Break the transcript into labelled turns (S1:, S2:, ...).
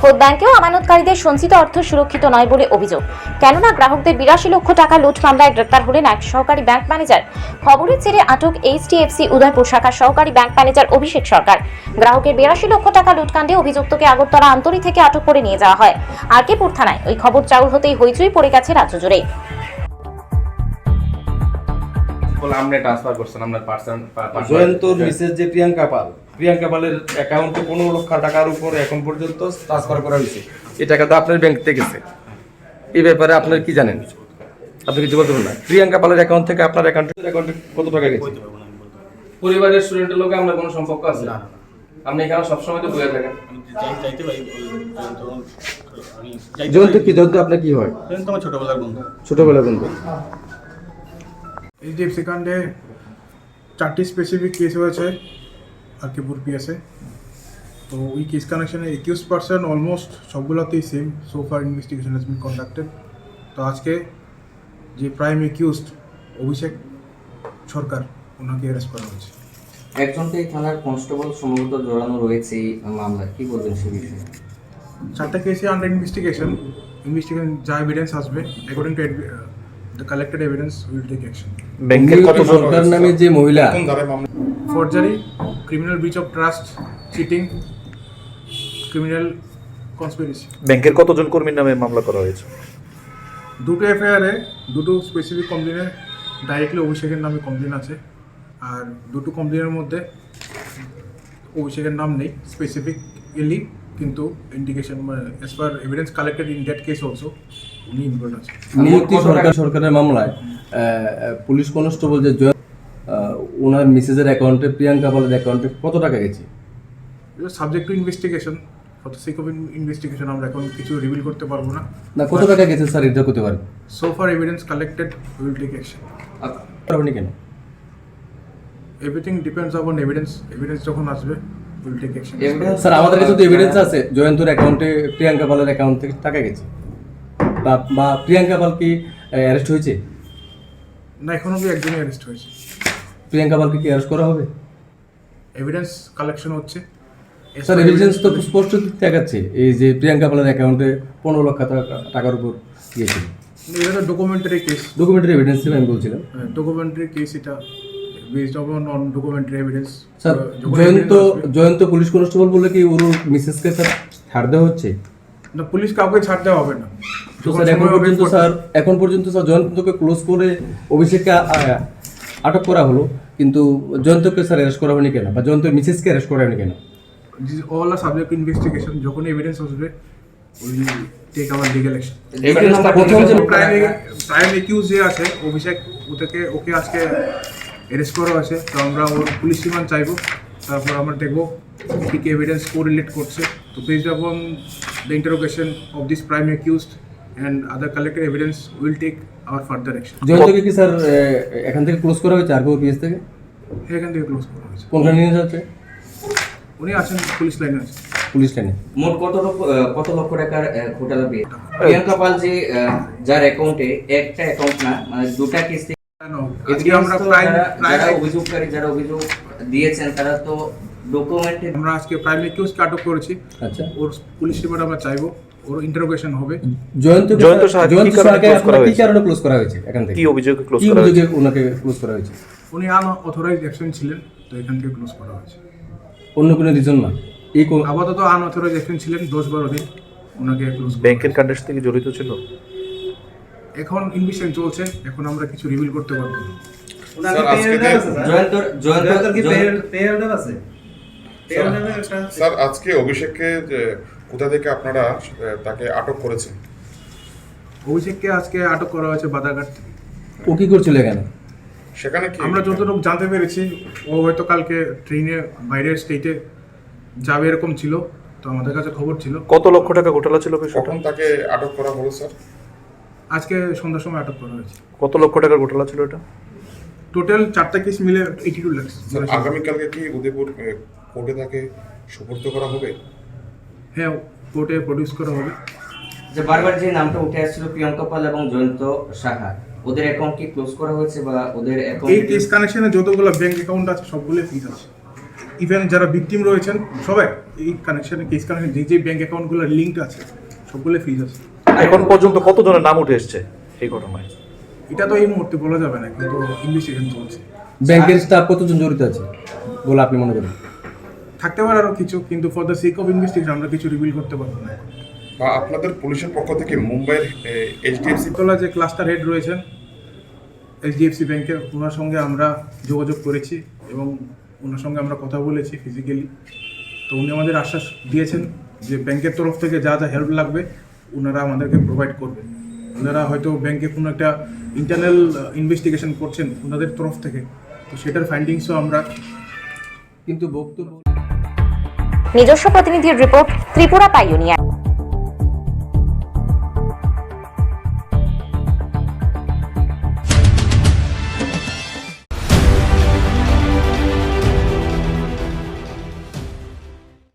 S1: খোদ ব্যাংকেও আমানতকারীদের সঞ্চিত অর্থ সুরক্ষিত নয় বলে অভিযোগ। কেননা গ্রাহকদের 82 লক্ষ টাকা লুট মামলায় গ্রেপ্তার হলেন এক সহকারী ব্যাংক ম্যানেজার। খবরের জেরে আটক HDFC উদয়পুর শাখার সহকারী ব্যাংক ম্যানেজার অভিষেক সরকার। গ্রাহকের 82 লক্ষ টাকা লুটকাণ্ডে অভিযুক্তকে আগরতলা আন্তরি থেকে আটক করে নিয়ে যাওয়া হয় আরকেপুর থানায়। ওই খবর চাউর হতেই হইচই পড়ে গেছে রাজ্য জুড়ে।
S2: আপনি ট্রান্সফার করছেন আপনার পার্সন
S3: জয়ন্তর মিসেস যে প্রিয়াঙ্কা পালের অ্যাকাউন্টে 15 লক্ষ টাকার উপরে এখন পর্যন্ত ট্রান্সফার করা হয়েছে। এই টাকা তো আপনার ব্যাংক থেকে গেছে। এই ব্যাপারে আপনার কি জানেন? আপনি কিছু বলতে পারবেন না? প্রিয়াঙ্কা পালের অ্যাকাউন্ট থেকে আপনার অ্যাকাউন্টে কত টাকা গেছে?
S2: পরিবারের স্টুডেন্টের লোকে আমরা কোনো সম্পর্ক আছে না। আপনি এখানে সবসময় তো বইয়া থাকেন।
S3: জয়ন্ত আপনার কি হয়?
S4: জয়ন্ত আমার
S3: ছোটবেলার বন্ধু।
S4: HDFC কাণ্ডে 4টি স্পেসিফিক কেস হয়েছে আরকেপুর পিএসে। তো ওই কেস কানেকশনে একিউজ পার্সন অলমোস্ট সবগুলোতেই same. So far investigation has been conducted. তো আজকে যে প্রাইম একিউজড অভিষেক সরকার, ওনাকে অ্যারেস্ট করা হয়েছে।
S5: একজনকে থানার কনস্টেবল সম্ভবত জড়ানো রয়েছে এই মামলায়, কি বলবেন সে বিষয়ে?
S4: 4টা কেসে আন্ডার ইনভেস্টিগেশন যা এভিডেন্স আসবে according to the collected evidence we will take action.
S3: ব্যাংকের কত সরকার নামে যে মহিলা
S4: forgery, criminal breach of trust, cheating, criminal conspiracy.
S6: ব্যাংকের কতজন কর্মীর নামে মামলা করা হয়েছে?
S4: দুটো এফআইআরে দুটো স্পেসিফিক কমপ্লেনে ডাইরেক্টলি অভিষেকের নামে কমপ্লেন আছে, আর দুটো কমপ্লেনের মধ্যে অভিষেকের নাম নেই স্পেসিফিকলি, কিন্তু indication as per evidence collected in that case also উনি ইনভলভড আছে।
S3: নিয়ুক্তি সরকারের মামলায় পুলিশ কনস্টেবল যে ওনার মিসেসের অ্যাকাউন্টে প্রিয়াঙ্কা পালের অ্যাকাউন্টে কত টাকা গেছে?
S4: Subject to investigation, for the sake of investigation আমরা এখন কিছু রিভিল করতে পারবো না।
S3: কত টাকা গেছে স্যার এটা করতে পারেন?
S4: So far evidence collected will take action.
S3: আপনি কেন?
S4: এভরিথিং ডিপেন্ডস অন এভিডেন্স যখন আসবে উইল টেক অ্যাকশন।
S3: স্যার আমাদের কাছে তো এভিডেন্স আছে জয়ন্তর অ্যাকাউন্টে প্রিয়াঙ্কা পালের অ্যাকাউন্ট থেকে টাকা গেছে, বা প্রিয়াঙ্কা পাল কি অ্যারেস্ট হয়েছে?
S4: না, এখন অবধি একজনই অ্যারেস্ট হয়েছে।
S3: প্রিয়াঙ্কা পালকে কি অ্যারেস্ট করা হবে?
S4: এভিডেন্স কালেকশন হচ্ছে।
S3: স্যার এভিডেন্স তো স্পষ্ট দেখাচ্ছে এই যে প্রিয়াঙ্কা পালের অ্যাকাউন্টে 15 লক্ষ টাকার উপর গিয়েছিল।
S4: এটা তো ডকুমেন্টারি কেস,
S3: ডকুমেন্টারি এভিডেন্স আমি বলছিলাম।
S4: ডকুমেন্টারি কেস, এটা based on documentary evidence.
S3: Sir Jayanta police constable বলে কি ওর মিসেসকে স্যার ছাড় দেওয়া হচ্ছে?
S4: না, পুলিশ কাউকে ছাড় দেওয়া হবে না।
S3: তো স্যার এখন পর্যন্ত স্যার জয়ন্তকে ক্লোজ করে অভিষেককে আটক করা হলো, কিন্তু জয়ন্তকে স্যার অ্যারেস্ট করা হয়নি কেন, বা জয়ন্তের মিসেসকে অ্যারেস্ট করা হয়নি কেন?
S4: অল আর সাবজেক্ট ইনভেস্টিগেশন, যখন এভিডেন্স আসবে will take our legal action.
S3: প্রথম যে
S4: প্রাইম একিউজ যে আছে অভিষেক, ওকে আজকে অ্যারেস্ট করা হয়েছে। তো আমরা ওর পুলিশ রিমান্ড চাইবো, তারপর আমরা দেখবো কি কি এভিডেন্স কোরিলেট করছে। তো based on the interrogation of this prime accused and other collected evidence will take our further action.
S3: জয়ন্তকে কি স্যার এখান থেকে ক্লোজ করা হয়েছে আরকেপুর পিএস থেকে?
S4: হ্যাঁ, এখান থেকে ক্লোজ করা হয়েছে।
S3: কোনখানে নিয়ে যাচ্ছে?
S4: উনি আছেন পুলিশ লাইনে আছে।
S3: পুলিশ লাইনে।
S5: মোট কত লক্ষ টাকার ঘোটালা পেয়ে প্রিয়াঙ্কা পাল যে যার অ্যাকাউন্টে একটা অ্যাকাউন্ট না, মানে দুটা কিস্তি।
S4: আজকে আমরা
S5: যারা অভিযোগ দিয়েছেন তারা তো ডকুমেন্টে।
S4: আমরা আজকে প্রাইম একিউজকে আটক করেছি।
S3: আচ্ছা,
S4: ওর পুলিশ রিমান্ড আমরা চাইবো, ওর ইন্টারোগেশন হবে।
S3: জয়ন্ত শাহকে কি কারণে ক্লোজ করা হয়েছে এখান থেকে?
S6: কি অভিযোগে ক্লোজ
S3: কি
S6: করা হয়েছে?
S3: অভিযোগে ওনাকে ক্লোজ করা হয়েছে?
S4: উনি আনঅথরাইজড অ্যাকশন ছিলেন, তো এখান থেকে ক্লোজ করা হয়েছে।
S3: অন্য কোনো রিজন না?
S4: আপাতত আনঅথরাইজড অ্যাকশন ছিলেন 10-12 দিন, ওনাকে ক্লোজ।
S6: ব্যাংকের কাণ্ডের সাথে কি জড়িত ছিল?
S4: এখন ইনভেস্টিগেশন চলছে, এখন আমরা কিছু রিভিল করতে পারবো না।
S7: স্যার আজকে অভিষেককে কোথা থেকে আপনারা তাকে আটক করেছেন?
S4: অভিষেককে আজকে আটক করা হয়েছে বাদাঘাট থেকে।
S3: ও কি করছিল এখানে?
S7: সেখানে কি
S4: আমরা যতটুকু জানতে পেরেছি, ও হয়তো কালকে ট্রেনে বাইরের স্টেটে যাবে এরকম ছিল, তো আমাদের কাছে খবর ছিল।
S6: কত লক্ষ টাকা ঘোটালা ছিল বিষয়টা?
S7: কখন তাকে আটক করা হলো স্যার?
S4: আজকে সন্ধ্যার সময় আটক করা হয়েছে।
S6: কত লক্ষ টাকার ঘোটালা ছিল এটা?
S4: টোটাল 4টা কেস মিলে 82 লাখ।
S7: স্যার আগামীকালকে কি উদয়পুর কোর্টে তাকে সুপর্দ করা হবে?
S4: হ্যাঁ, কোর্টে প্রডিউস করা হবে।
S5: যে বারবার যে নামটা উঠে আসছিল প্রিয়াঙ্কা পাল এবং জয়ন্ত সাহা, ওদের অ্যাকাউন্ট কি ক্লোজ করা হয়েছে, বা ওদের
S4: এই
S5: অ্যাকাউন্ট
S4: কেস কানেকশনে যতগুলো ব্যাংক অ্যাকাউন্ট আছে সবগুলো ফ্রিজ আছে। ইভেন যারা ভিকটিম রয়েছেন সবাই এই কানেকশানে কেস কানেকশন যে ব্যাঙ্ক অ্যাকাউন্টগুলো লিঙ্ক আছে সবগুলো ফ্রিজ আছে।
S6: এখন পর্যন্ত কতজনের নাম উঠে এসছে এই ঘটনায়?
S4: এটা তো এই মুহূর্তে বলা যাবে না, কিন্তু ইনভেস্টিগেশন চলছে।
S8: ব্যাংকের স্টাফ কতজন জড়িত আছে বলে আপনি মনে করেন?
S4: থাকতে পারে আরও কিছু, কিন্তু for the sake of investigation আমরা কিছু রিভিল করতে পারবো না।
S7: বা আপনাদের পুলিশের পক্ষ থেকে মুম্বাইয়ের এইচডিএফসি
S4: তোলা যে ক্লাস্টার হেড রয়েছেন এইচডিএফসি ব্যাংকের, ওনার সঙ্গে আমরা যোগাযোগ করেছি এবং ওনার সঙ্গে আমরা কথা বলেছি ফিজিক্যালি। তো উনি আমাদের আশ্বাস দিয়েছেন যে ব্যাংকের তরফ থেকে যা যা হেল্প লাগবে ওনারা আমাদেরকে প্রোভাইড করবেন। ওনারা হয়তো ব্যাংকে কোনো একটা ইন্টারনাল ইনভেস্টিগেশন করছেন ওনাদের তরফ থেকে, তো সেটার ফাইন্ডিংসও আমরা
S8: কিন্তু বক্তব্য
S1: নিজস্ব প্রতিনিধির রিপোর্ট, ত্রিপুরা পাইওনিয়ার।